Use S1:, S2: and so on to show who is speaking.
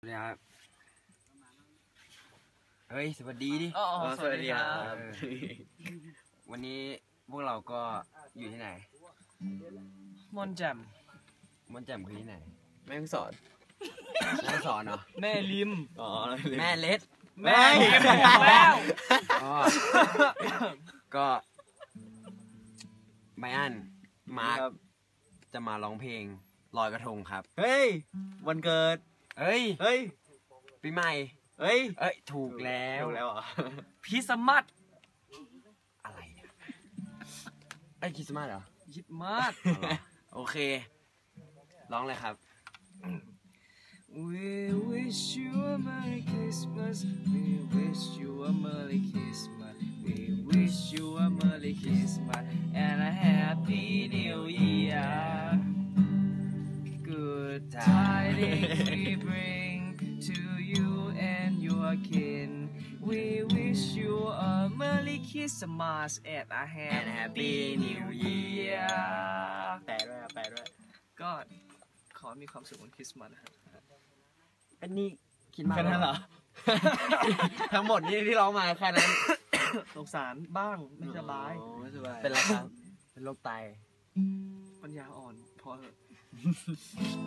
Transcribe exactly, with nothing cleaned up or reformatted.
S1: สวัสดีครับเฮ้ยสวัสดีดิ
S2: อ๋อสวัสดีครับ
S1: วันนี้พวกเราก็อยู่ที่ไหน
S2: มอนแจ่ม
S1: ม่อนแจ่มคือที่ไหน
S3: แม่งสอน
S1: แม่สอนเหรอ
S2: แม่ริม
S3: อ๋อ
S1: แม่เล็ด
S2: แม่ริมแล้ว
S1: อ๋อก็ไบอันมาร์ค
S3: ครับ
S1: จะมาร้องเพลงลอยกระทงครับ
S3: เฮ้ย วันเกิด
S1: เอ้ย
S3: เฮ้ย
S1: ปีใหม่
S3: เฮ้ย
S1: เอ้ยถูกแล้ว
S3: ถูกแล้วเหรอ
S2: พิสมัต
S1: อะไรเนี่ยไอ้ยคริสต์มาสเหรอ
S2: ยิดมาด
S1: อ๋อโอเค ร้องเลยครับ
S2: We wish you a Merry Christmas We wish you a Merry Christmas We wish you a Merry Christmas and a Happy New Year Good tidings we bring to you and your kin We wish you a Merry Christmas and a Happy New Year
S3: แปลด้วยแปลด้วย
S2: ก็ขอมีความสุขวันคริสต์มาสนะครับ
S1: อันนี้คิดมาก
S3: แค่นั้นเหรอ ทั้งหมดนี่ที่ร้องมาแค่นั้น
S2: สงสารบ้างไม่สบาย
S3: อ๋อไม่สบาย
S1: เป็นไรครับ เป็นโรคไต
S2: ปัญญาอ่อนพอเถอะ